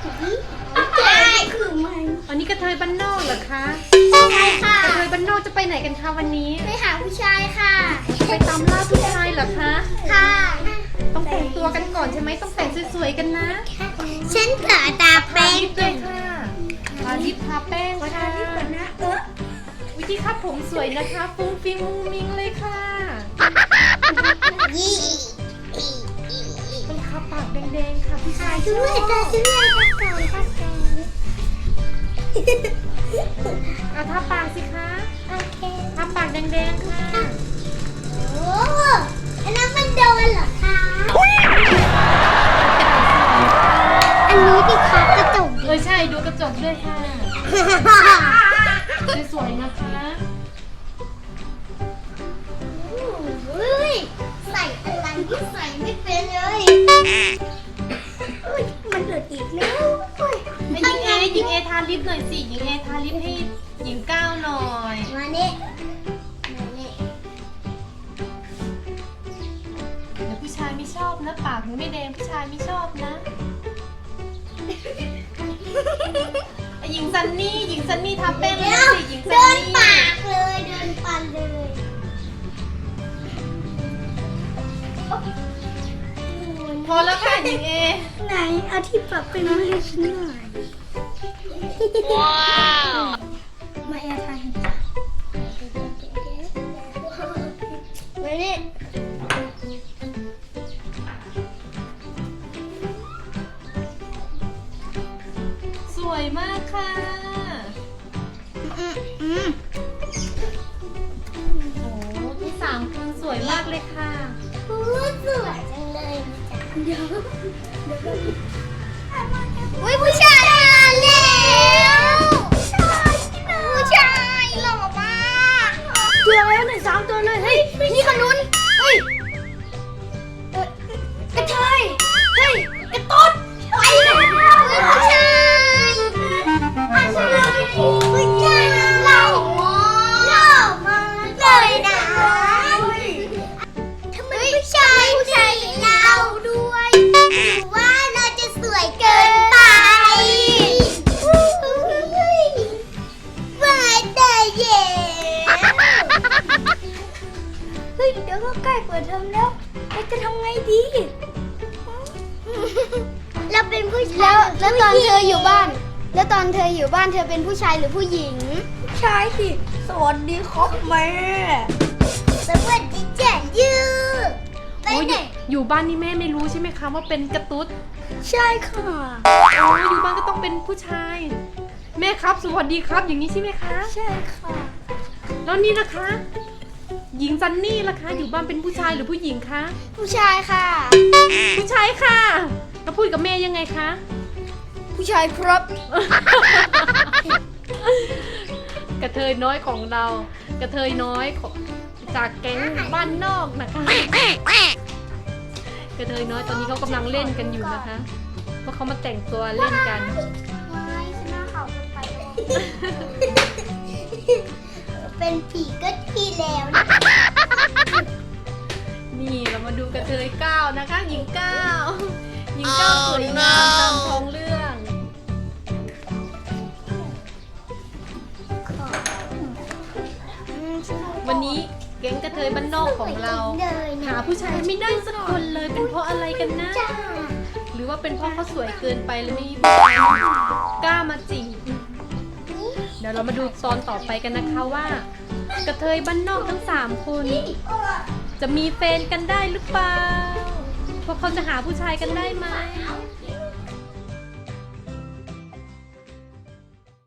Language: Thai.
ใช่คือมันอันนี้กระเทยบ้านนอกเหรอคะใช่ค่ะกระเทยบ้านนอกจะไปไหนกันคะวันนี้ไปหาผู้ชายค่ะไปตามล่าผู้ชายเหรอคะค่ะต้องแต่งตัวกันก่อนใช่ไหมต้องแต่งสวยๆกันนะฉันขอตาแป้งลิปเลยค่ะทาลิปทาแป้งค่ะนะวิธีคัดผมสวยนะคะฟุ้งฟิ้งมุ้งมิ้งเลยค่ะยี่ต้องทาปากแดงๆค่ะผู้ชายชช่อวยบตาช่วยตาก่อนค่ะเอาทาปากสิคะโอเคทาปากแดงๆค่ะโอ้อันนั้นมันโดนเหรอคะอันนี้ดิคะกระจกใช่ดูกระจกด้วยค่ะสวยๆนะคะอุ้ยใส่อะไรที่ใส่ไม่เป็นเลยอุ้ยมันหลุดอีกแล้วอุ้ยหญิงเอทาลิปหน่อยสิหญิงเอทาลิปให้หญิงก้าวหน่อยมาเนี่ยมาเนี่ยเดี๋ยวผู้ชายไม่ชอบนะปากหนูไม่แดงผู้ชายไม่ชอบนะหญิงซันนี่ทาแป้งเลยสิหญิงซัเดินนนี่ปากเลยเดินปันเลยพอแล้วค่ะหญิงเอไหนเอาที่ปรับเป็นมาให้ฉันหน่อยว้าวมาแอร์ไทยมาเนี่ยสวยมากค่ะโอ้ที่สามคือสวยมากเลยค่ะพูดสวยจังเลยเดี๋ยวอุ้ยผู้ชายมาแล้วผู้ชายหล่อมากตัวแล้วหนึ่งสามตัวเลยเฮ้ยนี่ขนุนเฮ้ยกระเทยเฮ้ยกระตุ๊ดไปแล้วผู้ชายผู้ชายหล่อมากเลยนะทำไมผู้ชายเราด้วยหรือว่าเราจะสวยเกินไปว่าแต่เย่เฮ้ยเดี๋ยวก็ใกล้เปิดเทอมแล้วเราจะทำไงดี เราเป็นผู้ชายแล้วตอนเธออยู่บ้าน แล้วตอนเธออยู่บ้านเธอเป็นผู้ชายหรือผู้หญิงผู้ชายสิสวัสดีครับแม่สวัสดีจ้ะยูไปโอ้ยไหนอยู่บ้านนี่แม่ไม่รู้ใช่ไหมคะว่าเป็นกระตุ๊ดใช่ค่ะโอ้ยอยู่บ้านก็ต้องเป็นผู้ชาย แม่ครับสวัสดีครับอย่างนี้ใช่ไหมคะใช่ค่ะแล้วนี่นะคะ หญิงซันนี่ล่ะคะ อยู่บ้านเป็นผู้ชายหรือผู้หญิงคะผู้ชายค่ะผู้ชายค่ะแล้วพูดกับแม่ยังไงคะผู้ชายครับกระเทยน้อยของเรา กระเทยน้อยของจากแก๊งบ้านนอกนะคะ กระเทยน้อยตอนนี้เขากำลังเล่นกันอยู่นะคะเพราะเขามาแต่งตัวเล่นกันไม่ฉันน่าเขาจะไปเป็นผีก็ทีแล้วนะนี่เรามาดูกระเทยก้าวนะคะ หญิงก้าวหญิงก้าวสวยงามตามท้องเรื่อง วันนี้แก๊งกระเทยบ้านนอกของเรา หาผู้ชายไม่ได้สักคนเลยเป็นเพราะอะไรกันนะจ้าหรือว่าเป็นเพราะเขาสวยเกินไปเลยไม่มีผู้ชายกล้ามาจีบเดี๋ยวเรามาดูตอนต่อไปกันนะคะว่า กระเทยบ้านนอกทั้ง3คนจะมีแฟนกันได้หรือเปล่าพวกเขาจะหาผู้ชายกันได้ไหม